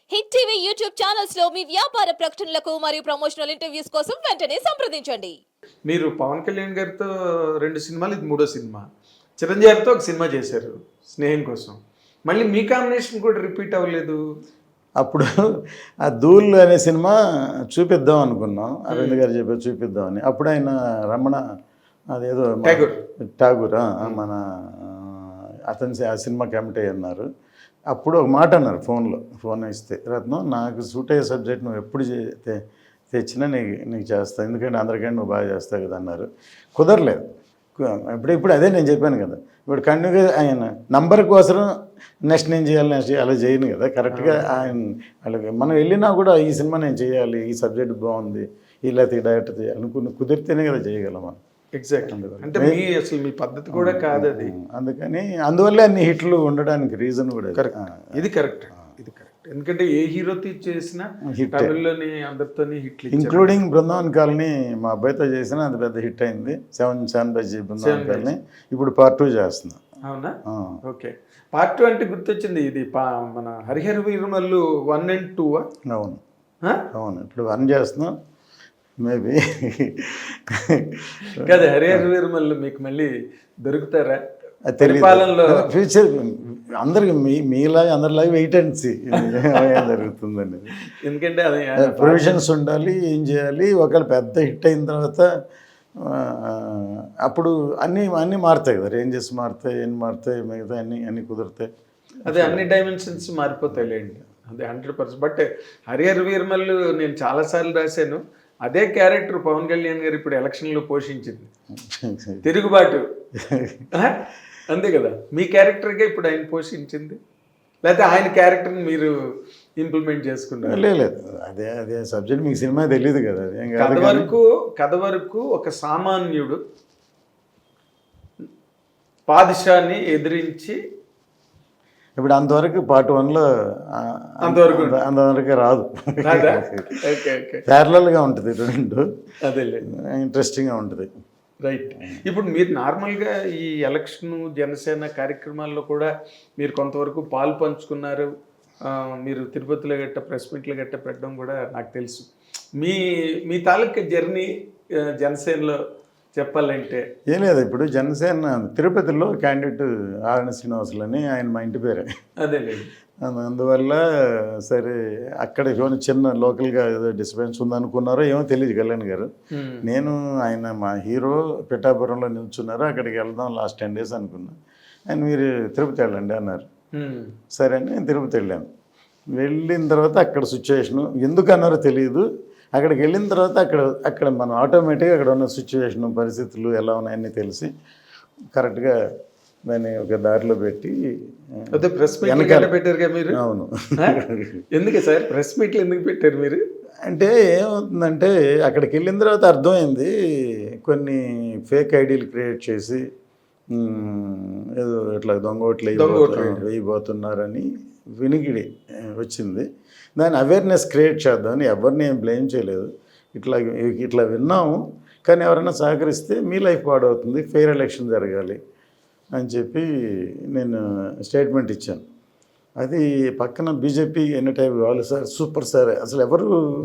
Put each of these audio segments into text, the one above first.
Hit TV YouTube channels లో మీ వ్యాపార ప్రకటనలకు మరియు ప్రమోషనల్ ఇంటర్వ్యూస్ కోసం వెంటనే సంప్రదించండి. మీరు పవన్ కళ్యాణ్ గారితో 2 సినిమాలు, ఇది 3వ సినిమా. చిరంజీవి గారితో ఒక సినిమా చేశారు స్నేహం కోసం. మళ్ళీ మీ కాంబినేషన్ కూడా రిపీట్ అవ్వలేదు. అప్పుడు ఆ ధూళ్ అనే సినిమా చూపిద్దాం అనుకున్నాం, అరవింద్ గారు చెప్పారు చూపిద్దామని. అప్పుడు ఆయన రమణ అదేదో ఠాగూర్ మన అతని ఆ సినిమా కమిటీ అన్నారు. అప్పుడు ఒక మాట అన్నారు ఫోన్ ఇస్తే, రత్నం నాకు సూట్ అయ్యే సబ్జెక్ట్ నువ్వు ఎప్పుడు తెచ్చినా నీకు చేస్తాను, ఎందుకంటే అందరికంటే నువ్వు బాగా చేస్తావు కదా అన్నారు. కుదరలేదు. ఇప్పుడు అదే నేను చెప్పాను కదా, ఇప్పుడు కంటిన్యూగా ఆయన నంబర్ కోసం నెక్స్ట్ నేను చేయాలి అలా చేయను కదా. కరెక్ట్గా ఆయన వాళ్ళకి మనం వెళ్ళినా కూడా ఈ సినిమా నేను చేయాలి, ఈ సబ్జెక్ట్ బాగుంది, ఇలా డైరెక్ట్ అనుకుని కుదిరితేనే కదా చేయగలం మనం. ఎగ్జాక్ట్. అంటే అసలు మీ పద్ధతి కూడా కాదు అది. అందుకని అందువల్లే అన్ని హిట్లు ఉండడానికి రీజన్ కూడా ఇది కరెక్ట్. ఎందుకంటే ఏ హీరోతో చేసినా తమిళ్లోని అందరితోని హిట్లు, ఇంక్లూడింగ్ బృందావన్ కాలనీ మా అబ్బాయితో చేసినా అది పెద్ద హిట్ అయింది. 7 బజ్జీ బృందావన్ కాలనీ ఇప్పుడు పార్ట్ 2 చేస్తున్నా. అవునా? ఓకే. పార్ట్ 2 అంటే గుర్తొచ్చింది, ఇది మన హరిహర వీరమల్లు 1 and 2. అవును, ఇప్పుడు 1 చేస్తున్నాం. మేబీ కదా హరిహర వీరమల్లు మీకు మళ్ళీ దొరుకుతారా పరిపాలనలో? ఫ్యూచర్ అందరికి మీలాగా అందరిలాగా వెయిట్ అండ్ సీ జరుగుతుందండి. ఎందుకంటే అది ప్రొవిజన్స్ ఉండాలి, ఏం చేయాలి. ఒకవేళ పెద్ద హిట్ అయిన తర్వాత అప్పుడు అన్నీ మారుతాయి కదా, రేంజెస్ మారుతాయి, ఏం మారుతాయి, మిగతా అన్నీ కుదురుతాయి. అదే అన్ని డైమెన్షన్స్ మారిపోతాయి లేండి, అదే 100%. బట్ హరిహర వీరమల్లు నేను చాలాసార్లు రాశాను, అదే క్యారెక్టర్ పవన్ కళ్యాణ్ గారు ఇప్పుడు ఎలక్షన్లో పోషించింది, తిరుగుబాటు. అంతే కదా, మీ క్యారెక్టర్గా ఇప్పుడు ఆయన పోషించింది, లేకపోతే ఆయన క్యారెక్టర్ని మీరు ఇంప్లిమెంట్ చేసుకున్నారు? లేదు, అదే సబ్జెక్ట్ మీకు సినిమా తెలియదు కదా. కథ వరకు ఒక సామాన్యుడు పాదిషాన్ని ఎదిరించి, ఇప్పుడు అంతవరకు పార్ట్ 1లో అంతవరకు రాదు, ప్యారలల్గా ఉంటుంది రెండు, అదే ఇంట్రెస్టింగ్గా ఉంటుంది. రైట్. ఇప్పుడు మీరు నార్మల్గా ఈ ఎలక్షన్ జనసేన కార్యక్రమాల్లో కూడా మీరు కొంతవరకు పాలు పంచుకున్నారు. మీరు తిరుపతిలో గట్ట ప్రెస్ మీట్లో గట్ట పెట్టడం కూడా నాకు తెలుసు. మీ తాలూకా జర్నీ జనసేనలో చెప్పాలంటే ఏం లేదు. ఇప్పుడు జనసేన తిరుపతిలో క్యాండిడేట్ ఆర్ఎన్ శ్రీనివాసులు అని ఆయన మా ఇంటి పేరే. అదేలేండి. అందువల్ల సరే అక్కడ ఏమైనా చిన్న లోకల్గా ఏదో డిస్టర్బెన్స్ ఉందనుకున్నారో ఏమో తెలియదు కళ్యాణ్ గారు. నేను ఆయన మా హీరో పిఠాపురంలో నిల్చున్నారు, అక్కడికి వెళ్దాం లాస్ట్ 10 days అనుకున్నా. ఆయన మీరు తిరుపతి వెళ్ళండి అన్నారు. సరే అని నేను తిరుపతి వెళ్ళాను. వెళ్ళిన తర్వాత అక్కడ సిచ్యువేషను ఎందుకు అన్నారో తెలియదు. అక్కడికి వెళ్ళిన తర్వాత అక్కడ మనం ఆటోమేటిక్గా అక్కడ ఉన్న సిచ్యువేషను, పరిస్థితులు ఎలా ఉన్నాయని తెలిసి కరెక్ట్గా దాన్ని ఒక దారిలో పెట్టి ప్రెస్ మీట్ పెట్టారు మీరు. అవును. ఎందుకు సార్ ప్రెస్ మీట్లు ఎందుకు పెట్టారు మీరు? అంటే ఏమవుతుందంటే అక్కడికి వెళ్ళిన తర్వాత అర్థమైంది, కొన్ని ఫేక్ ఐడీలు క్రియేట్ చేసి ఏదో ఇట్లా దొంగోట్లు వేయబోతున్నారని వినికిడి వచ్చింది. దాని అవేర్నెస్ క్రియేట్ చేద్దామని ఎవరిని ఏం బ్లేమ్ చేయలేదు. ఇట్లా విన్నాము, కానీ ఎవరైనా సహకరిస్తే మీ లైఫ్ పాడవుతుంది, ఫెయిర్ ఎలక్షన్ జరగాలి అని చెప్పి నేను స్టేట్మెంట్ ఇచ్చాను. అది పక్కన బీజేపీ ఎన్ని టైప్ వాళ్ళు సార్ సూపర్ సార్ అసలు ఎవరు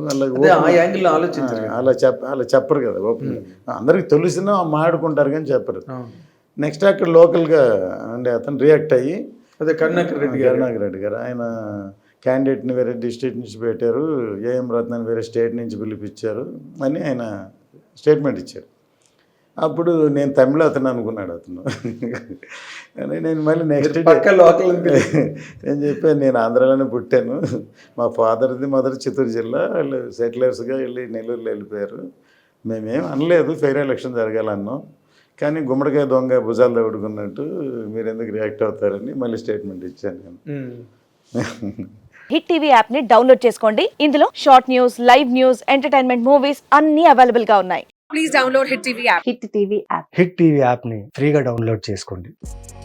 అలా చెప్పరు కదా, అందరికి తెలిసినా మాట్లాడుకుంటారు కానీ చెప్పరు. నెక్స్ట్ అక్కడ లోకల్గా అంటే అతను రియాక్ట్ అయ్యి, అదే కరుణాకర్ రెడ్డి గారు ఆయన క్యాండిడేట్ని వేరే డిస్ట్రిక్ట్ నుంచి పెట్టారు, ఏఎం రత్నాన్ని వేరే స్టేట్ నుంచి పిలిపించారు అని ఆయన స్టేట్మెంట్ ఇచ్చారు. అప్పుడు నేను తమిళ అతను అనుకున్నాడు అతను. కానీ నేను మళ్ళీ నెక్స్ట్ లోకల్ నేను చెప్పాను, నేను ఆంధ్రాలోనే పుట్టాను, మా ఫాదర్ది మదర్ చిత్తూరు జిల్లా, వాళ్ళు సెటిలర్స్గా వెళ్ళి నెల్లూరులో వెళ్ళిపోయారు, మేమేం అనలేదు, ఫెయిర్ ఎలక్షన్ జరగాలన్నాం, కానీ గుమ్మడికాయ దొంగ భుజాలు తగుడుకున్నట్టు మీరు ఎందుకు రియాక్ట్ అవుతారని మళ్ళీ స్టేట్మెంట్ ఇచ్చాను నేను. హిట్ టీవీ యాప్ ని డౌన్లోడ్ చేసుకోండి. ఇందులో short news, live news, entertainment movies అన్ని అవైలబుల్ గా ఉన్నాయి. Please download hit TV app. Hit TV యాప్ని ఫ్రీగా డౌన్లోడ్ చేసుకోండి.